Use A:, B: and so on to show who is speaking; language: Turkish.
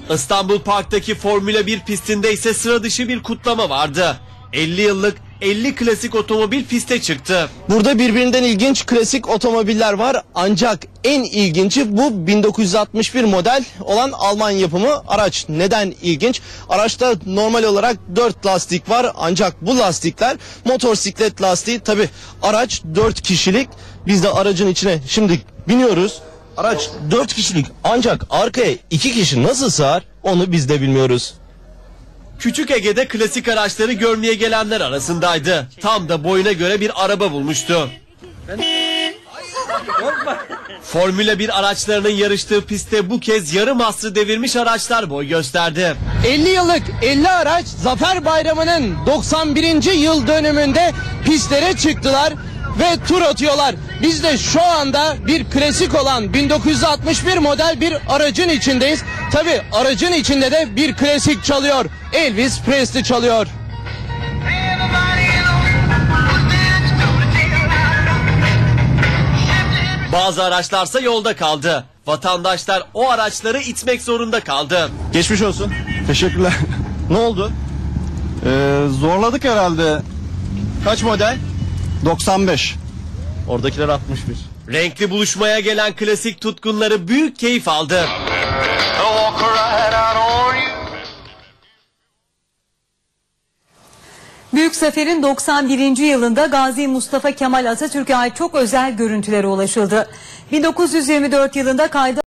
A: İstanbul Park'taki Formula 1 pistinde ise sıra dışı bir kutlama vardı. 50 yıllık 50 klasik otomobil piste çıktı.
B: Burada birbirinden ilginç klasik otomobiller var ancak en ilginci bu 1961 model olan Alman yapımı araç. Neden ilginç? Araçta normal olarak 4 lastik var ancak bu lastikler motosiklet lastiği. Tabi araç 4 kişilik. Biz de aracın içine şimdi biniyoruz. Araç 4 kişilik ancak arkaya 2 kişi nasıl sığar onu biz de bilmiyoruz.
A: Küçük Ege'de klasik araçları görmeye gelenler arasındaydı. Tam da boyuna göre bir araba bulmuştu. Formula 1 araçlarının yarıştığı pistte bu kez yarım asrı devirmiş araçlar boy gösterdi.
B: 50 yıllık 50 araç Zafer Bayramı'nın 91. yıl dönümünde pistlere çıktılar ve tur atıyorlar. Biz de şu anda bir klasik olan 1961 model bir aracın içindeyiz. Tabi aracın içinde de bir klasik çalıyor. Elvis Presley çalıyor.
A: Bazı araçlarsa yolda kaldı. Vatandaşlar o araçları itmek zorunda kaldı.
C: Geçmiş olsun. Teşekkürler.
B: Ne oldu?
C: Zorladık herhalde.
B: Kaç model?
C: 95.
B: Oradakiler 61.
A: Renkli buluşmaya gelen klasik tutkunları büyük keyif aldı.
D: Büyük Zafer'in 91. yılında Gazi Mustafa Kemal Atatürk'e ait çok özel görüntülere ulaşıldı. 1924 yılında kayda